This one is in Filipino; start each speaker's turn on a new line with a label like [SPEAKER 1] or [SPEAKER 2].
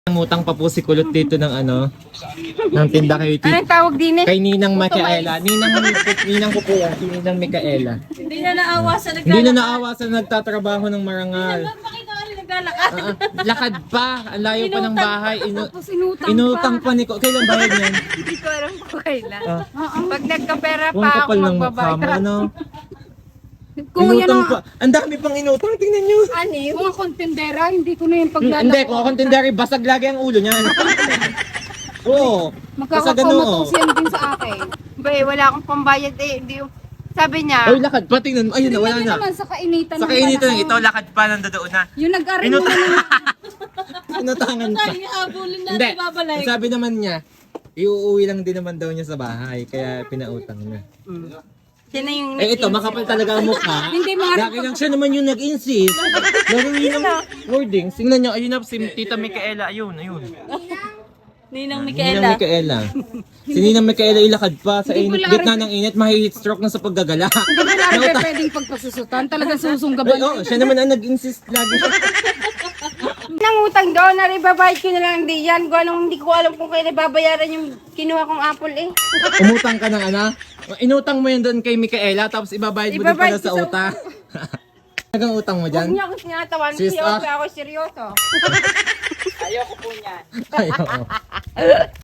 [SPEAKER 1] Ngutang pa po si Kulot dito ng ng tinda kay
[SPEAKER 2] Anong tawag din eh?
[SPEAKER 1] Kay Ninang Micaela. Ninang ko po yan, si Ninang Micaela.
[SPEAKER 2] Hindi na naawa sa
[SPEAKER 1] Hindi na naawa sa nagtatrabaho ng marangal.
[SPEAKER 2] Bakit ako naglalakad?
[SPEAKER 1] Lakad pa, ang layo pa ng bahay.
[SPEAKER 2] Tapos inutang
[SPEAKER 1] Inutang pa ni Ko. Kailan bayad niyan?
[SPEAKER 2] Hindi ko alam kung kailan.
[SPEAKER 1] Ah.
[SPEAKER 2] Pag nagkapera
[SPEAKER 1] Kung
[SPEAKER 2] pa ako
[SPEAKER 1] kapal ng mukha mo,
[SPEAKER 2] magbabayad.
[SPEAKER 3] Kung yan
[SPEAKER 1] Inutang
[SPEAKER 3] ang
[SPEAKER 1] pa. Ang dami pang inutang, tingnan nyo.
[SPEAKER 2] Ani,
[SPEAKER 3] mga kontendera, hindi ko na yung paglalako.
[SPEAKER 1] Hindi, kung ako tindari, basag lagi ang ulo niyan. Oo. Basag
[SPEAKER 3] Magkakakomatos yan din sa akin.
[SPEAKER 2] bay, wala akong pambayad eh. Hindi, sabi niya,
[SPEAKER 1] Ay, lakad pa, tingnan mo. Ayun na, wala
[SPEAKER 3] Tingnan
[SPEAKER 1] na.
[SPEAKER 3] naman sa kainitan
[SPEAKER 1] Sa
[SPEAKER 3] ng
[SPEAKER 1] kainitan
[SPEAKER 3] panahon.
[SPEAKER 1] ito, lakad pa, nandoon na.
[SPEAKER 3] Yung nag-aral mo
[SPEAKER 1] Inutang.
[SPEAKER 3] na
[SPEAKER 1] Inutangan pa.
[SPEAKER 2] habulin
[SPEAKER 1] Hindi, sabi naman niya, iuuwi lang din naman daw niya sa bahay, kaya pinautang na.
[SPEAKER 2] siya na yung
[SPEAKER 1] Eh ito, makapal talaga ang mukha.
[SPEAKER 3] Hindi, mga-
[SPEAKER 1] Lagi lang siya naman yung nag-insist. Lagi yun ang wordings. Tingnan niyo, ayun na, si Tita Micaela, ayun.
[SPEAKER 2] Ninang
[SPEAKER 1] Ninang Micaela. Si Ninang Micaela ilakad pa sa
[SPEAKER 3] Hindi ko
[SPEAKER 1] init.
[SPEAKER 3] lang
[SPEAKER 1] Gitna ng init, mahihit stroke na sa paggagala.
[SPEAKER 3] Hindi ko na pwedeng pagpasusutan. Talagang susunggaban.
[SPEAKER 1] Oo, siya naman ang nag-insist lagi.
[SPEAKER 2] Nangutang doon, naribabayad ko na lang di yan. Hindi ko alam kung kailan babayaran yung kinuha kong apple eh.
[SPEAKER 1] Umutang ka ng inutang mo yun doon kay Micaela, tapos ibabayad mo din pala
[SPEAKER 2] Ibabayad
[SPEAKER 1] sa
[SPEAKER 2] ko sa
[SPEAKER 1] utang. Nagang utang mo
[SPEAKER 2] Huwag
[SPEAKER 1] dyan?
[SPEAKER 2] niya ako sinatawan.
[SPEAKER 1] Sis,
[SPEAKER 2] Seryoso ako, seryoso.
[SPEAKER 1] Ayaw.